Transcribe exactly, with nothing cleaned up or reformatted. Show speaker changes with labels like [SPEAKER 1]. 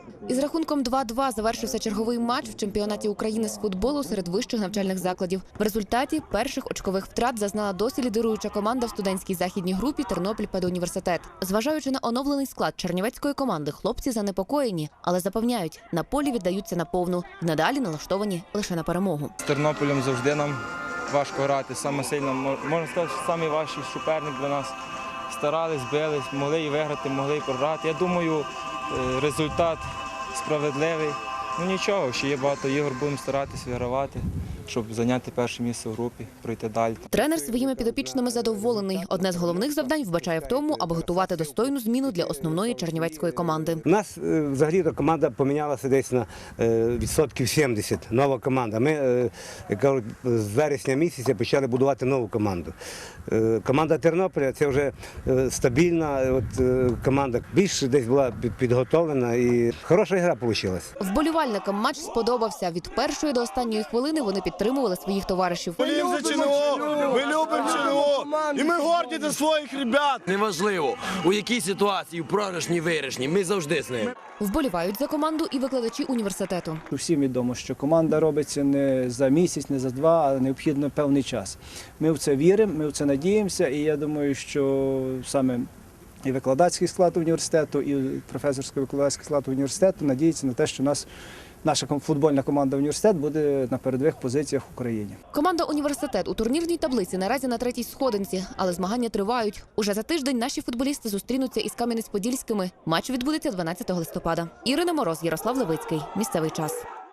[SPEAKER 1] Із рахунком два-два завершився черговий матч в чемпіонаті України з футболу серед вищих навчальних закладів. В результаті перших очкових втрат зазнала досі лідируюча команда в студентській західній групі «Тернопіль педуніверситет». Зважаючи на оновлений склад чернівецької команди, хлопці занепокоєні, але запевняють, на полі віддаються наповну і надалі налаштовані лише на перемогу.
[SPEAKER 2] З Тернополем завжди нам важко грати, саме сильно, можна сказати, що найважчий суперник для нас. Старались, бились, могли і виграти, могли і програти. Я думаю, результат справедливий. Ну нічого, ще є багато ігор, будемо старатися вигравати, щоб зайняти перше місце в групі, пройти далі.
[SPEAKER 1] Тренер своїми підопічними задоволений. Одне з головних завдань вбачає в тому, аби готувати достойну зміну для основної чернівецької команди.
[SPEAKER 3] У нас взагалі команда помінялася десь на відсотків сімдесят, нова команда. Ми, як кажуть, з вересня місяця почали будувати нову команду. Команда Тернополя – це вже стабільна от, команда, більш десь була підготовлена і хороша гра вийшла.
[SPEAKER 1] Вболівальникам матч сподобався. Від першої до останньої хвилини вони підтримували своїх товаришів.
[SPEAKER 4] Ми любимо ЧНО, ми любимо ЧНО, і ми горді за своїх ребят.
[SPEAKER 5] Неважливо, у якій ситуації, у програшній, виграшній, ми завжди з ними.
[SPEAKER 1] Вболівають за команду і викладачі університету.
[SPEAKER 6] Всім відомо, що команда робиться не за місяць, не за два, а необхідно певний час. Ми в це віримо, ми в це надіємося, і я думаю, що саме і викладацький склад університету, і професорсько-викладацький склад університету надіється на те, що нас наша футбольна команда «Університет» буде на передових позиціях в Україні.
[SPEAKER 1] Команда «Університет» у турнірній таблиці наразі на третій сходинці, але змагання тривають. Уже за тиждень наші футболісти зустрінуться із Кам'янець-Подільськими. Матч відбудеться дванадцятого листопада. Ірина Мороз, Ярослав Левицький. Місцевий час.